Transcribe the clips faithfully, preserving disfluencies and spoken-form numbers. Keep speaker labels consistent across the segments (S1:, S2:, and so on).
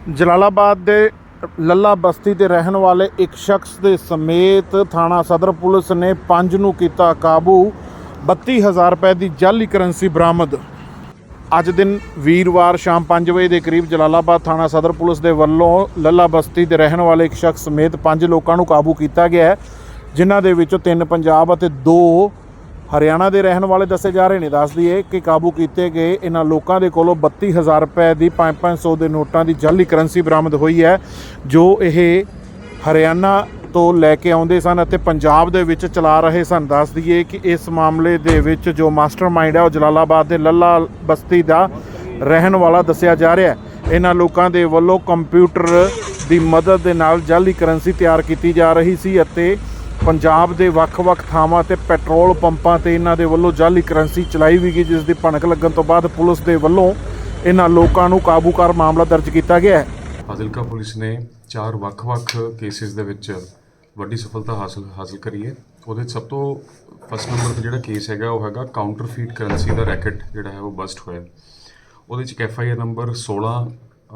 S1: ਜਲਾਲਾਬਾਦ ਦੇ ਲੱਲਾ ਬਸਤੀ ਦੇ ਰਹਿਣ ਵਾਲੇ ਇੱਕ ਸ਼ਖਸ ਦੇ ਸਮੇਤ ਥਾਣਾ ਸਦਰ ਪੁਲਿਸ ਨੇ ਪੰਜ ਨੂੰ ਕੀਤਾ ਕਾਬੂ। ਬੱਤੀ ਹਜ਼ਾਰ ਰੁਪਏ ਦੀ ਜਾਲੀ ਕਰੰਸੀ ਬਰਾਮਦ। ਅੱਜ ਦਿਨ ਵੀਰਵਾਰ ਸ਼ਾਮ ਪੰਜ ਵਜੇ ਦੇ ਕਰੀਬ ਜਲਾਲਾਬਾਦ ਥਾਣਾ ਸਦਰ ਪੁਲਿਸ ਦੇ ਵੱਲੋਂ ਲੱਲਾ ਬਸਤੀ ਦੇ ਰਹਿਣ ਵਾਲੇ ਇੱਕ ਸ਼ਖਸ ਸਮੇਤ ਪੰਜ ਲੋਕਾਂ ਨੂੰ ਕਾਬੂ ਕੀਤਾ ਗਿਆ ਹੈ, ਜਿਨ੍ਹਾਂ ਦੇ ਵਿੱਚੋਂ ਤਿੰਨ ਪੰਜਾਬ ਅਤੇ ਦੋ ਹਰਿਆਣਾ ਦੇ ਰਹਿਣ ਵਾਲੇ ਦੱਸੇ ਜਾ ਰਹੇ ਨੇ। ਦੱਸ ਦਈਏ ਕਿ ਕਾਬੂ ਕੀਤੇ ਗਏ ਇਹਨਾਂ ਲੋਕਾਂ ਦੇ ਕੋਲੋਂ ਬੱਤੀ ਹਜ਼ਾਰ ਰੁਪਏ ਦੀ ਪੰਜ ਪੰਜ ਸੌ ਦੇ ਨੋਟਾਂ ਦੀ ਜਾਲੀ ਕਰੰਸੀ ਬਰਾਮਦ ਹੋਈ ਹੈ, ਜੋ ਇਹ ਹਰਿਆਣਾ ਤੋਂ ਲੈ ਕੇ ਆਉਂਦੇ ਸਨ ਅਤੇ ਪੰਜਾਬ ਦੇ ਵਿੱਚ ਚਲਾ ਰਹੇ ਸਨ। ਦੱਸ ਦਈਏ ਕਿ ਇਸ ਮਾਮਲੇ ਦੇ ਵਿੱਚ ਜੋ ਮਾਸਟਰਮਾਈਂਡ ਹੈ ਉਹ ਜਲਾਲਾਬਾਦ ਦੇ ਲੱਲਾ ਬਸਤੀ ਦਾ ਰਹਿਣ ਵਾਲਾ ਦੱਸਿਆ ਜਾ ਰਿਹਾ ਹੈ। ਇਹਨਾਂ ਲੋਕਾਂ ਦੇ ਵੱਲੋਂ ਕੰਪਿਊਟਰ ਦੀ ਮਦਦ ਦੇ ਨਾਲ ਜਾਲੀ ਕਰੰਸੀ ਤਿਆਰ ਕੀਤੀ ਜਾ ਰਹੀ ਸੀ ਅਤੇ ਪੰਜਾਬ ਦੇ ਵੱਖ-ਵੱਖ ਥਾਵਾਂ ਤੇ ਪੈਟਰੋਲ ਪੰਪਾਂ ਤੇ ਇਹਨਾਂ ਦੇ ਵੱਲੋਂ ਜਾਲੀ ਕਰੰਸੀ ਚਲਾਈ ਵੀ ਗਈ, ਜਿਸ ਦੀ ਭਣਕ ਲੱਗਣ ਤੋਂ ਬਾਅਦ ਪੁਲਿਸ ਦੇ ਵੱਲੋਂ ਇਹਨਾਂ ਲੋਕਾਂ ਨੂੰ ਕਾਬੂ ਕਰ ਮਾਮਲਾ ਦਰਜ ਕੀਤਾ ਗਿਆ ਹੈ।
S2: ਫਾਜ਼ਿਲਕਾ ਪੁਲਿਸ ਨੇ ਚਾਰ ਵੱਖ-ਵੱਖ ਕੇਸਿਸ ਦੇ ਵਿੱਚ ਵੱਡੀ ਸਫਲਤਾ ਹਾਸਲ ਹਾਸਲ ਕਰੀ ਹੈ। ਉਹਦੇ ਸਭ ਤੋਂ ਫਸਟ ਨੰਬਰ 'ਤੇ ਜਿਹੜਾ ਕੇਸ ਹੈਗਾ ਉਹ ਹੈਗਾ ਕਾਊਂਟਰਫੀਟ ਕਰੰਸੀ ਦਾ ਰੈਕਟ ਜਿਹੜਾ ਹੈ ਉਹ ਬਸਟ ਹੋਇਆ। ਉਹਦੇ 'ਚ ਇੱਕ ਐਫ ਆਈ ਆਰ ਨੰਬਰ ਸੋਲਾਂ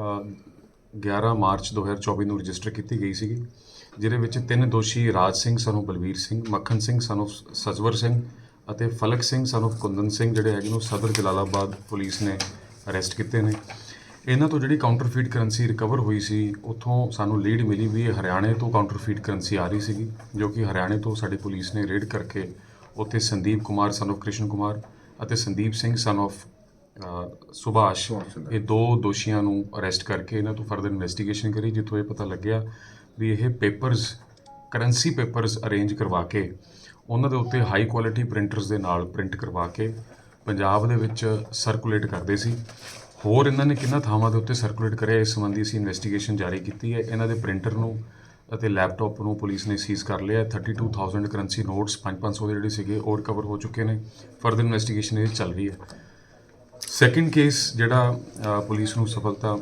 S2: ਗਿਆਰਾਂ ਮਾਰਚ ਦੋ ਹਜ਼ਾਰ ਚੌਵੀ ਨੂੰ ਰਜਿਸਟਰ ਕੀਤੀ ਗਈ ਸੀਗੀ, ਜਿਹਦੇ ਵਿੱਚ ਤਿੰਨ ਦੋਸ਼ੀ Raj Singh son of Balvir Singh, Makhan Singh son of Sajwar Singh ਅਤੇ ਫਲਕ ਸਿੰਘ ਸਨ ਆਫ ਕੁੰਦਨ ਸਿੰਘ ਜਿਹੜੇ ਹੈਗੇ ਨੂੰ ਸਦਰ ਜਲਾਲਾਬਾਦ ਪੁਲਿਸ ਨੇ ਅਰੈਸਟ ਕੀਤੇ ਨੇ। ਇਹਨਾਂ ਤੋਂ ਜਿਹੜੀ ਕਾਊਂਟਰਫੀਟ ਕਰੰਸੀ ਰਿਕਵਰ ਹੋਈ ਸੀ, ਉੱਥੋਂ ਸਾਨੂੰ ਲੀਡ ਮਿਲੀ ਵੀ ਇਹ ਹਰਿਆਣੇ ਤੋਂ ਕਾਊਂਟਰਫੀਟ ਕਰੰਸੀ ਆ ਰਹੀ ਸੀਗੀ, ਜੋ ਕਿ ਹਰਿਆਣੇ ਤੋਂ ਸਾਡੀ ਪੁਲਿਸ ਨੇ ਰੇਡ ਕਰਕੇ ਉੱਥੇ ਸੰਦੀਪ ਕੁਮਾਰ ਸਨ ਆਫ ਕ੍ਰਿਸ਼ਨ ਕੁਮਾਰ ਅਤੇ ਸੰਦੀਪ ਸਿੰਘ ਸਨ ਆਫ ਸੁਭਾਸ਼, ਇਹ ਦੋ ਦੋਸ਼ੀਆਂ ਨੂੰ ਅਰੈਸਟ ਕਰਕੇ ਇਹਨਾਂ ਤੋਂ ਫਰਦਰ ਇਨਵੈਸਟੀਗੇਸ਼ਨ ਕਰੀ, ਜਿੱਥੋਂ ਇਹ ਪਤਾ ਲੱਗਿਆ ਵੀ ਇਹ ਪੇਪਰਸ ਕਰੰਸੀ ਪੇਪਰਸ ਅਰੇਂਜ ਕਰਵਾ ਕੇ ਉਹਨਾਂ ਦੇ ਉੱਤੇ ਹਾਈ ਕੁਆਲਿਟੀ ਪ੍ਰਿੰਟਰਸ ਦੇ ਨਾਲ ਪ੍ਰਿੰਟ ਕਰਵਾ ਕੇ ਪੰਜਾਬ ਦੇ ਵਿੱਚ ਸਰਕੂਲੇਟ ਕਰਦੇ ਸੀ। ਹੋਰ ਇਹਨਾਂ ਨੇ ਕਿੰਨਾ ਥਾਵਾਂ ਦੇ ਉੱਤੇ ਸਰਕੂਲੇਟ ਕਰਿਆ, ਇਸ ਸੰਬੰਧੀ ਅਸੀਂ ਇਨਵੈਸਟੀਗੇਸ਼ਨ ਜਾਰੀ ਕੀਤੀ ਹੈ। ਇਹਨਾਂ ਦੇ ਪ੍ਰਿੰਟਰ ਨੂੰ ਅਤੇ ਲੈਪਟਾਪ ਨੂੰ ਪੁਲਿਸ ਨੇ ਸੀਜ਼ ਕਰ ਲਿਆ। Thirty two thousand currency notes ਪੰਜ ਪੰਜ ਸੌ ਦੇ ਜਿਹੜੇ ਸੀਗੇ ਉਹ ਰਿਕਵਰ ਹੋ ਚੁੱਕੇ ਨੇ। ਫਰਦਰ ਇਨਵੈਸਟੀਗੇਸ਼ਨ ਇਹ ਚੱਲ ਰਹੀ ਹੈ। ਸੈਕਿੰਡ ਕੇਸ ਜਿਹੜਾ ਪੁਲਿਸ ਨੂੰ ਸਫਲਤਾ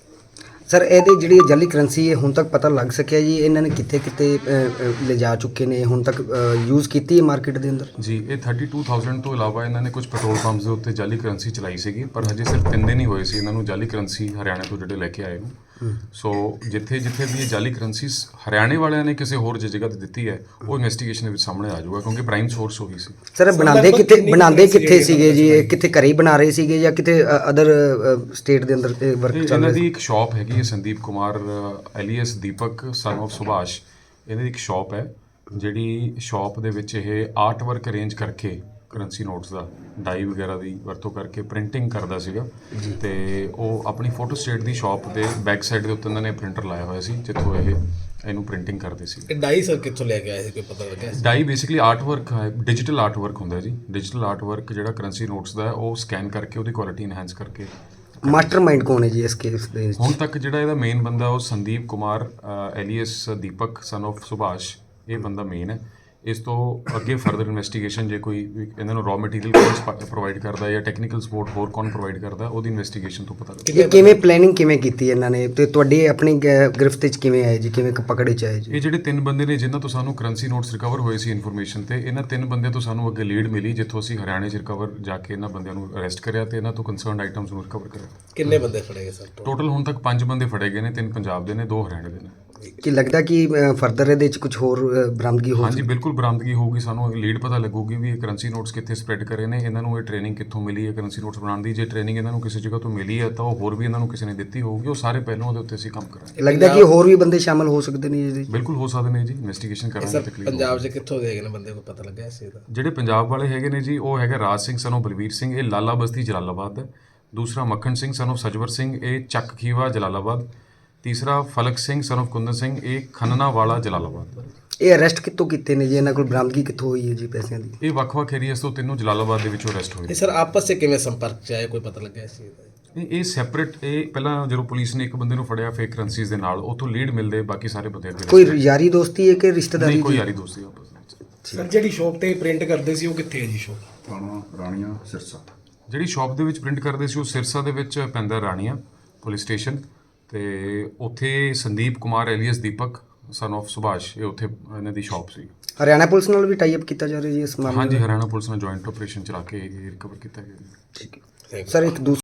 S3: ਸਰ, ਇਹਦੀ ਜਿਹੜੀ ਜਾਲੀ ਕਰੰਸੀ ਹੈ ਹੁਣ ਤੱਕ ਪਤਾ ਲੱਗ ਸਕਿਆ ਜੀ ਇਹਨਾਂ ਨੇ ਕਿੱਥੇ ਕਿੱਥੇ ਲਿਜਾ ਚੁੱਕੇ ਨੇ, ਹੁਣ ਤੱਕ ਯੂਜ਼ ਕੀਤੀ ਹੈ ਮਾਰਕੀਟ ਦੇ ਅੰਦਰ? ਜੀ,
S2: ਇਹ ਥਰਟੀ ਟੂ ਥਾਊਜ਼ੈਂਡ ਤੋਂ ਇਲਾਵਾ ਇਹਨਾਂ ਨੇ ਕੁਝ ਪੈਟਰੋਲ ਪੰਪਸ ਦੇ ਉੱਤੇ ਜਾਲੀ ਕਰੰਸੀ ਚਲਾਈ ਸੀਗੀ, ਪਰ ਹਜੇ ਸਿਰਫ ਤਿੰਨ ਦਿਨ ਹੀ ਹੋਏ ਸੀ ਇਹਨਾਂ ਨੂੰ ਜਾਲੀ ਕਰੰਸੀ ਹਰਿਆਣਾ ਤੋਂ ਜਿਹੜੇ ਲੈ ਕੇ ਆਏ ਨੂੰ। ਸੋ ਜਿੱਥੇ ਜਿੱਥੇ ਵੀ ਇਹ ਜਾਲੀ ਕਰੰਸੀ ਹਰਿਆਣੇ ਵਾਲਿਆਂ ਨੇ ਕਿਸੇ ਹੋਰ ਜਗ੍ਹਾ ਤੇ ਦਿੱਤੀ ਹੈ, ਉਹ ਇਨਵੈਸਟੀਗੇਸ਼ਨ ਦੇ ਵਿੱਚ ਸਾਹਮਣੇ ਆ ਜਾਊਗਾ, ਕਿਉਂਕਿ ਪ੍ਰਾਈਮ ਸੋਰਸ ਉਹੀ ਸੀ।
S3: ਸਰ, ਬਣਾਉਂਦੇ ਕਿੱਥੇ ਬਣਾਉਂਦੇ ਕਿੱਥੇ ਸੀਗੇ ਜੀ? ਇਹ ਕਿੱਥੇ ਘਰੇ ਹੀ ਬਣਾ ਰਹੇ ਸੀਗੇ ਜਾਂ ਕਿਤੇ ਅਦਰ ਸਟੇਟ ਦੇ ਅੰਦਰ ਵਰਕ ਚੱਲ ਰਿਹਾ?
S2: ਇਹਨਾਂ ਦੀ ਇੱਕ ਸ਼ਾਪ ਹੈਗੀ ਹੈ Sandeep Kumar alias Deepak son of Subhash, ਇਹਨਾਂ ਦੀ ਇੱਕ ਸ਼ਾਪ ਹੈ, ਜਿਹੜੀ ਸ਼ਾਪ ਦੇ ਵਿੱਚ ਇਹ ਆਰਟ ਵਰਕ ਅਰੇਂਜ ਕਰਕੇ ਕਰੰਸੀ ਨੋਟਸ ਦਾ ਡਾਈ ਵਗੈਰਾ ਦੀ ਵਰਤੋਂ ਕਰਕੇ ਪ੍ਰਿੰਟਿੰਗ ਕਰਦਾ ਸੀਗਾ। ਤੇ ਉਹ ਆਪਣੀ ਫੋਟੋ ਸਟੇਟ ਦੀ ਸ਼ਾਪ ਦੇ ਬੈਕ ਸਾਈਡ ਦੇ ਉੱਤੇ ਇਹਨਾਂ ਨੇ ਪ੍ਰਿੰਟਰ ਲਾਇਆ ਹੋਇਆ ਸੀ, ਜਿੱਥੋਂ ਇਹ ਇਹਨੂੰ ਪ੍ਰਿੰਟਿੰਗ ਕਰਦੇ ਸੀ।
S4: ਇਹ ਡਾਈ ਸਰ ਕਿੱਥੋਂ ਲੈ ਕੇ ਆਏ ਸੀ, ਕੋਈ ਪਤਾ ਲੱਗਿਆ?
S2: ਡਾਈ ਬੇਸਿਕਲੀ ਆਰਟ ਵਰਕ ਹੈ, ਡਿਜੀਟਲ ਆਰਟ ਵਰਕ ਹੁੰਦਾ ਜੀ। ਡਿਜੀਟਲ ਆਰਟ ਵਰਕ ਜਿਹੜਾ ਕਰੰਸੀ ਨੋਟਸ ਦਾ ਉਹ ਸਕੈਨ ਕਰਕੇ ਉਹਦੀ ਕੁਆਲਿਟੀ ਇਨਹੈਂਸ ਕਰਕੇ।
S3: ਮਾਸਟਰਮਾਈਂਡ ਕੌਣ ਹੈ ਜੀ ਇਸ ਕੇਸ ਦੇ?
S2: ਹੁਣ ਤੱਕ ਜਿਹੜਾ ਇਹਦਾ ਮੇਨ ਬੰਦਾ ਉਹ Sandeep Kumar alias Deepak son of Subhash, ਇਹ ਬੰਦਾ ਮੇਨ ਹੈ। ਇਸ ਤੋਂ ਅੱਗੇ ਫਰਦਰ ਇਨਵੈਸਟੀਗੇਸ਼ਨ ਜੇ ਕੋਈ ਇਹਨਾਂ ਨੂੰ ਰॉ ਮਟੀਰੀਅਲ ਕੌਣ ਪ੍ਰੋਵਾਈਡ ਕਰਦਾ ਜਾਂ ਟੈਕਨੀਕਲ ਸਪੋਰਟ ਹੋਰ ਕੌਣ ਪ੍ਰੋਵਾਈਡ ਕਰਦਾ, ਉਹਦੀ ਇਨਵੈਸਟੀਗੇਸ਼ਨ ਤੋਂ ਪਤਾ ਲੱਗੇਗਾ।
S3: ਕਿਵੇਂ ਪਲੈਨਿੰਗ ਕਿਵੇਂ ਕੀਤੀ ਇਹਨਾਂ ਨੇ ਤੇ ਤੁਹਾਡੀ ਆਪਣੀ ਗ੍ਰਿਫਤ ਵਿੱਚ ਕਿਵੇਂ ਆਏ ਜੀ, ਕਿਵੇਂ ਪਕੜੇ ਚ ਆਏ ਜੀ?
S2: ਇਹ ਜਿਹੜੇ ਤਿੰਨ ਬੰਦੇ ਨੇ ਜਿਨ੍ਹਾਂ ਤੋਂ ਸਾਨੂੰ ਕਰੰਸੀ ਨੋਟਸ ਰਿਕਵਰ ਹੋਏ ਸੀ ਇਨਫੋਰਮੇਸ਼ਨ ਤੇ, ਇਹਨਾਂ ਤਿੰਨ ਬੰਦਿਆਂ ਤੋਂ ਸਾਨੂੰ ਅੱਗੇ ਲੀਡ ਮਿਲੀ, ਜਿੱਥੋਂ ਅਸੀਂ ਹਰਿਆਣੇ 'ਚ ਰਿਕਵਰ ਜਾ ਕੇ ਇਹਨਾਂ ਬੰਦਿਆਂ ਨੂੰ ਅਰੈਸਟ ਕਰਿਆ ਤੇ ਇਹਨਾਂ ਤੋਂ ਕੰਸਰਨਡ ਆਈਟਮਸ ਨੂੰ ਰਿਕਵਰ ਕਰਿਆ।
S4: ਕਿੰਨੇ ਬੰਦੇ ਫੜੇ ਗਏ ਸਰ?
S2: ਟੋਟਲ ਹੁਣ ਤੱਕ ਪੰਜ ਬੰਦੇ ਫੜੇ ਗਏ ਨੇ, ਤਿੰਨ ਪੰਜਾਬ ਦੇ ਨੇ, ਦੋ ਹਰਿਆਣੇ ਦੇ ਨੇ।
S3: ਕੀ ਲੱਗਦਾ ਕਿ ਫਰਦਰ ਇਹਦੇ ਵਿੱਚ ਕੁਝ ਹੋਰ ਬਰਾਮਦਗੀ ਹੋ?
S2: ਹਾਂਜੀ, ਬਿਲਕੁਲ ਬਰਾਮਦਗੀ ਹੋਊਗੀ। ਸਾਨੂੰ ਲੀਡ ਪਤਾ ਲੱਗੂਗੀ ਵੀ ਇਹ ਕਰੰਸੀ ਨੋਟਸ ਕਿੱਥੇ ਸਪਰੈਡ ਕਰੇ ਨੇ, ਇਹਨਾਂ ਨੂੰ ਇਹ ਟ੍ਰੇਨਿੰਗ ਕਿੱਥੋਂ ਮਿਲੀ ਹੈ ਕਰੰਸੀ ਨੋਟਸ ਬਣਾਉਣ ਦੀ। ਜੇ ਟ੍ਰੇਨਿੰਗ ਇਹਨਾਂ ਨੂੰ ਕਿਸੇ ਜਗ੍ਹਾ ਤੋਂ ਮਿਲੀ ਹੈ ਤਾਂ ਉਹ ਹੋਰ ਵੀ ਇਹਨਾਂ ਨੂੰ ਕਿਸੇ ਨੇ ਦਿੱਤੀ ਹੋਊਗੀ, ਉਹ ਸਾਰੇ ਪਹਿਲਾਂ ਉਹਦੇ ਉੱਤੇ ਅਸੀਂ ਕੰਮ ਕਰਾਂਗੇ।
S3: ਲੱਗਦਾ ਕਿ ਹੋਰ ਵੀ ਬੰਦੇ ਸ਼ਾਮਲ ਹੋ ਸਕਦੇ ਨੇ ਜੀ?
S2: ਬਿਲਕੁਲ ਹੋ ਸਕਦੇ ਨੇ ਜੀ, ਇਨਵੈਸਟੀਗੇਸ਼ਨ ਕਰਾਂਗੇ। ਤਕਲੀਫ
S4: ਪੰਜਾਬ 'ਚ ਕਿੱਥੋਂ ਦੇ ਗਏ ਨੇ ਬੰਦੇ, ਕੋਈ ਪਤਾ ਲੱਗਿਆ ਇਸ ਚੀਜ਼ ਦਾ?
S2: ਜਿਹੜੇ ਪੰਜਾਬ ਵਾਲੇ ਹੈਗੇ ਨੇ ਜੀ, ਉਹ ਹੈਗਾ ਰਾਜ ਸਿੰਘ ਸਨ ਆਫ ਬਲਵੀਰ ਸਿੰਘ, ਇਹ ਲਾਲਾ ਬਸਤੀ ਜਲਾਲਾਬਾਦ ਹੈ। ਦੂਸਰਾ ਮੱਖਣ ਸਿੰਘ ਸਨ ਆਫ ਸਜਵਰ ਸਿੰਘ, ਇਹ ਚੱਕ ਖੀਵਾ ਜਲਾਲਾਬਾਦ। ਤੀਸਰਾ ਫਲਕ ਸਿੰਘ ਸਨ ਆਫ ਕੁੰਦਨ ਸਿੰਘ, ਇਹ ਖੰਨਾ ਵਾਲਾ ਜਲਾਲਾਬਾਦ।
S3: ਇਹ ਅਰੈਸਟ ਕਿੱਥੋਂ ਕੀਤੇ ਨੇ ਜੀ? ਇਹਨਾਂ ਕੋਲ ਬਰਾਮਦਗੀ ਕਿੱਥੋਂ ਹੋਈ ਹੈ ਜੀ ਪੈਸਿਆਂ ਦੀ?
S2: ਇਹ ਵੱਖ-ਵੱਖ ਏਰੀਆਸ ਤੋਂ ਤਿੰਨੋਂ ਜਲਾਲਾਬਾਦ ਦੇ ਵਿੱਚੋਂ ਅਰੈਸਟ ਹੋਏ।
S4: ਇਹ ਸਰ ਆਪਸ 'ਚ ਕਿਵੇਂ ਸੰਪਰਕ 'ਚ ਆਏ, ਕੋਈ ਪਤਾ ਲੱਗਿਆ ਇਸ ਚੀਜ਼ ਦਾ?
S2: ਇਹ ਸੈਪਰੇਟ, ਇਹ ਪਹਿਲਾਂ ਜਦੋਂ ਪੁਲਿਸ ਨੇ ਇੱਕ ਬੰਦੇ ਨੂੰ ਫੜਿਆ ਫੇਕ ਕਰੰਸੀਜ਼ ਦੇ ਨਾਲ, ਉੱਥੋਂ ਲੀਡ ਮਿਲਦੇ ਬਾਕੀ ਸਾਰੇ ਬੰਦੇ ਅੱਗੇ।
S3: ਕੋਈ ਯਾਰੀ ਦੋਸਤੀ ਹੈ ਕਿ ਰਿਸ਼ਤੇਦਾਰੀ?
S2: ਨਹੀਂ, ਕੋਈ ਯਾਰੀ ਦੋਸਤੀ ਆਪਸ ਵਿੱਚ।
S4: ਸਰ, ਜਿਹੜੀ ਸ਼ੌਪ ਤੇ ਪ੍ਰਿੰਟ ਕਰਦੇ ਸੀ ਉਹ ਕਿੱਥੇ ਹੈ ਜੀ ਸ਼ੌਪ?
S5: ਥਾਣਾ ਰਾਣੀਆਂ ਸਿਰਸਾ।
S2: ਜਿਹੜੀ ਸ਼ਾਪ ਦੇ ਵਿੱਚ ਪ੍ਰਿੰਟ ਕਰਦੇ ਸੀ ਉਹ ਸਿਰਸਾ ਦੇ ਵਿੱਚ ਪੈਂਦਾ ਰਾਣੀਆਂ ਪੁਲਿਸ ਸਟੇਸ਼ਨ, ਤੇ ਉੱਥੇ Sandeep Kumar alias Deepak son of Subhash, ਇਹ ਉੱਥੇ ਇਹਨਾਂ ਦੀ ਸ਼ਾਪ ਸੀ।
S3: ਹਰਿਆਣਾ ਪੁਲਿਸ ਨਾਲ ਵੀ ਟਾਈ ਅਪ ਕੀਤਾ ਜਾ ਰਿਹਾ ਜੀ ਇਸ ਮਾਮਲੇ?
S2: ਹਾਂਜੀ, ਹਰਿਆਣਾ ਪੁਲਿਸ ਨਾਲ ਜੁਆਇੰਟ ਆਪਰੇਸ਼ਨ ਚਲਾ ਕੇ ਇਹ ਰਿਕਵਰ ਕੀਤਾ ਗਿਆ।
S3: ਠੀਕ ਹੈ ਸਰ। ਇੱਕ ਦੂਸਰਾ